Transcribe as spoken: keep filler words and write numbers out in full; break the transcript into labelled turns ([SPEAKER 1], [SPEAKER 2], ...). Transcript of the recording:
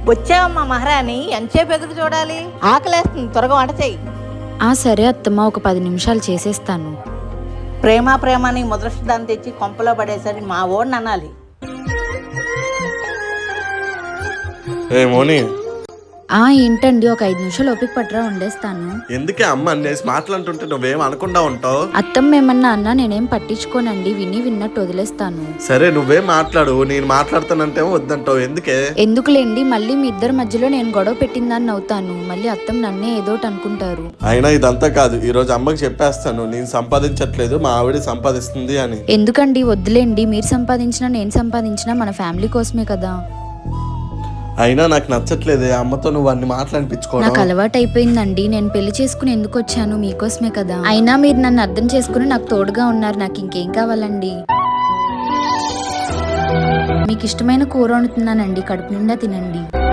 [SPEAKER 1] వచ్చావమ్మా మహారాణి, ఎంతసేపు ఎదురు చూడాలి? ఆకలేస్తుంది, త్వరగా వంట చెయ్యి.
[SPEAKER 2] ఆ సరే అత్తమ్మ, ఒక పది నిమిషాలు చేసేస్తాను.
[SPEAKER 1] ప్రేమ ప్రేమని ముద్రష్టాన్ని తెచ్చి కొంపలో పడేసరి మా ఓడిని అనాలి.
[SPEAKER 3] ఏ మోని,
[SPEAKER 2] ఆ ఏంటండి, ఒక ఐదు నిమిషాలు ఓపిక పట్టరా, వండేస్తాను.
[SPEAKER 3] ఎందుకే అమ్మ అన్నేసి మాట్లాడుతుంటే నువ్వేం అనకుండా ఉంటావు?
[SPEAKER 2] అత్తమ్మ ఏమన్నా అన్నా నేనేం పట్టించుకోనండి, విని విన్నట్టు వదిలేస్తాను.
[SPEAKER 3] సరే నువ్వేం మాట్లాడు, నేను మాట్లాడుతానంటే వద్దంటావు, ఎందుకే?
[SPEAKER 2] ఎందుకులేండి, మళ్ళీ మీ ఇద్దరి మధ్యలో నేను గొడవ పెట్టిందని అవుతాను. మళ్ళీ అత్తమ్మ నన్నే ఏదోటి అనుకుంటారు.
[SPEAKER 3] అయినా ఇదంతా కాదు, ఈ రోజు అమ్మకి చెప్పేస్తాను నేను సంపాదించట్లేదు, మా ఆవిడ సంపాదిస్తుంది అని.
[SPEAKER 2] ఎందుకండి, వద్దులేండి, మీరు సంపాదించినా నేను సంపాదించినా మన ఫ్యామిలీ కోసమే కదా.
[SPEAKER 3] అయినా నాకు నచ్చట్లేదే అమ్మతో నువ్వు అన్ని మాట్లాడిపించుకోవడం.
[SPEAKER 2] నాకు అలవాటు అయిపోయిందండి, నేను పెళ్లి చేసుకుని ఎందుకు వచ్చాను, మీకోసమే కదా. అయినా మీరు నన్ను అర్థం చేసుకుని నాకు తోడుగా ఉన్నారు, నాకు ఇంకేం కావాలండి. మీకు ఇష్టమైన కూర వండుతున్నానండి, కడుపు నిండా తినండి.